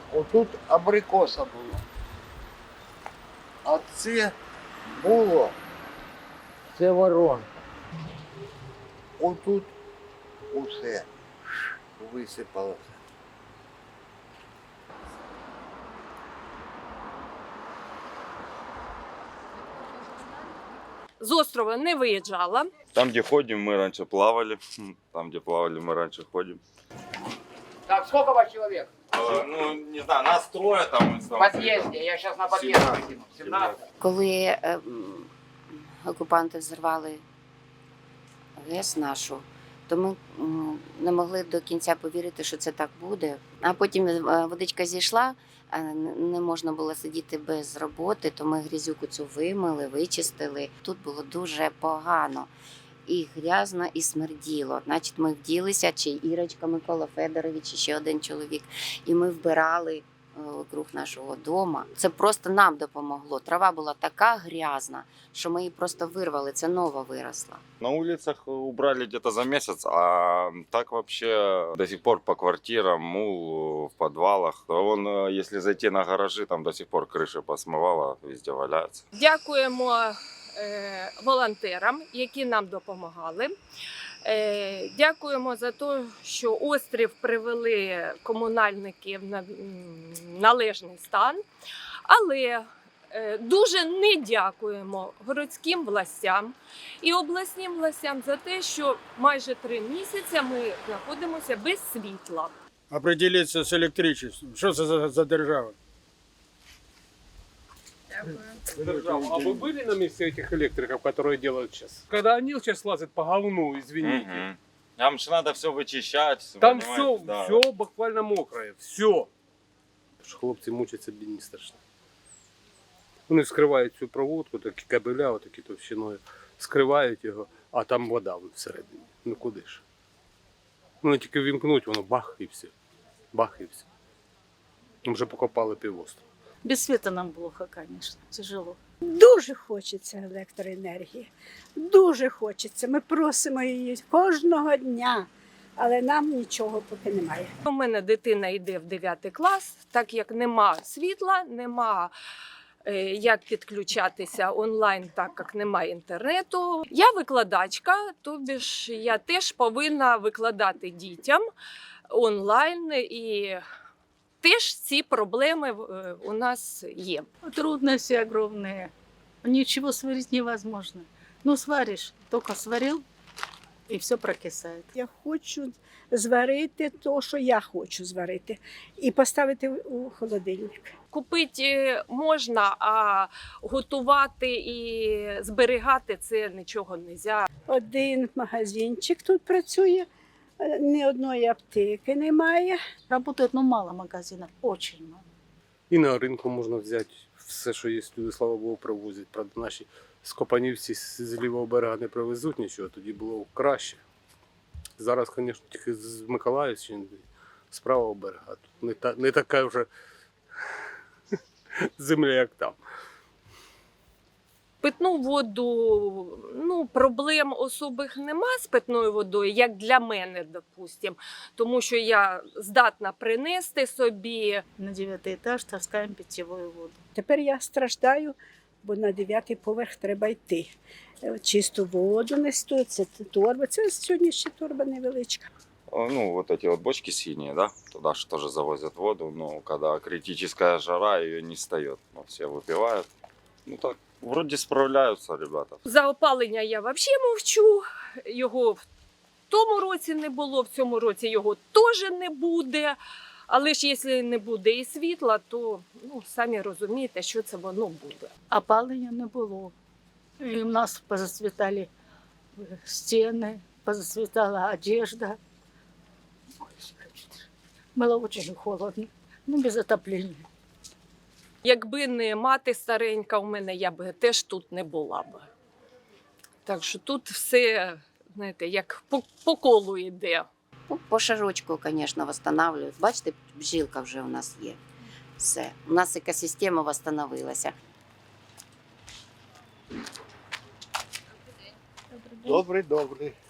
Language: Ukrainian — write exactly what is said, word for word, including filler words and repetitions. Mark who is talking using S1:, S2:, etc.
S1: Отут абрикоса була. А це було, це воронка. Отут усе висипалося.
S2: З острова не виїжджала.
S3: Там, где ходим, мы раньше плавали. Там, где плавали, мы раньше ходим.
S4: Так, сколько вас человек?
S3: Э, ну, не знаю, нас трое там.
S4: В подъезде, я сейчас на подъезд выкину. семнадцать.
S5: Коли е, м, окупанти взорвали ГЕС нашу, то ми м, не могли до кінця повірити, що це так буде. А потім е, водичка зійшла, а н- не можна було сидіти без роботи, то ми грязюку цю вимили, вичистили. Тут було дуже погано. І грязно, і смерділо. Значить, ми вділися, чи Ірочка Микола Федорович, і ще один чоловік, і ми вбирали вокруг нашого дому. Це просто нам допомогло. Трава була така грязна, що ми її просто вирвали, це нова виросла.
S3: На улицах убрали где-то за месяц, а так вообще до сих пор по квартирам, мул в подвалах. Вон, э, если зайти на гаражи, там до сих пор крыши посмывало, везде валяются.
S2: Дякуємо е, волонтерам, які нам допомагали. Е, дякуємо за те, що острів привели комунальники в на- м, належний стан. Але е, дуже не дякуємо городським властям і обласним властям за те, що майже три місяці ми знаходимося без світла.
S6: Определиться з електричеством. Що це за, за держава?
S7: Держава. А вы были на месте этих электриков, которые делают сейчас? Когда они сейчас лазят по говну, извините.
S3: Мгм. Там же надо все вычищать.
S7: Там
S3: понимаете,
S7: все,
S3: да.
S7: все буквально мокрое. Все. Хлопці мучаться бідні страшно. Вони вскривають цю проводку, такі кабеля, отакі товщиною, скривають його, а там вода всередині. Ну куди ж? Вони тільки вімкнуть, воно бах і все. Бах і все. Ми вже покопали півостров.
S8: Без света нам плохо, конечно, тяжело.
S9: Дуже хочеться електроенергії. Дуже хочеться. Ми просимо її кожного дня, але нам нічого поки немає.
S2: У мене дитина йде в дев'ятий клас, так як нема світла, нема е, як підключатися онлайн, так як немає інтернету. Я викладачка, тобі ж я теж повинна викладати дітям онлайн, і теж ці проблеми е, у нас є.
S8: Трудности огромные. Ничего сварить невозможно. Ну, сваришь, только сварил, и все прокисает.
S9: Я хочу зварити те, що я хочу зварити, і поставити у холодильник.
S2: Купити можна, а готувати і зберігати це нічого не можна.
S9: Один магазинчик тут працює, ні одної аптеки немає.
S8: Работает, ну, мало магазинов, очень мало.
S7: І на ринку можна взяти все, що є, люди, слава Богу, привозять. Правда, наші скопанівці з з лівого берега не привезуть нічого, тоді було краще. Зараз, звісно, тільки з Миколаївщини, з правого берега. Тут не, та, не така вже земля, як там.
S2: Питну воду, ну, проблем особих нема з питною водою, як для мене, допустим, тому що я здатна принести собі.
S8: На девятый этаж таскаем питьевую воду.
S9: Тепер я страждаю, бо на дев'ятий поверх треба йти. Чисту воду несу, це торба. Це сьогодні ще торба невеличка.
S3: Ну, вот эти вот бочки синие, да, туда же тоже завозят воду, но когда критическая жара, ее не встает. Ну, все выпивают. Ну так, вроде справляются ребята.
S2: За опалення я взагалі мовчу, його в тому році не було, в цьому році його теж не буде. Але ж якщо не буде і світла, то ну, самі розумієте, що це воно буде.
S8: Опалення не було. І в нас позацвітали стіни, позацвітала одежда. Ой, было очень холодно, ну без отопления.
S2: Якби не мати старенька у мене, я б теж тут не була б. Так що тут все, знаєте, як по, по колу йде.
S5: Ну, по шажочку, звісно, відновлюють. Бачите, бджілка вже у нас є. Все. У нас екосистема відновилася.
S1: Добрий, добрий.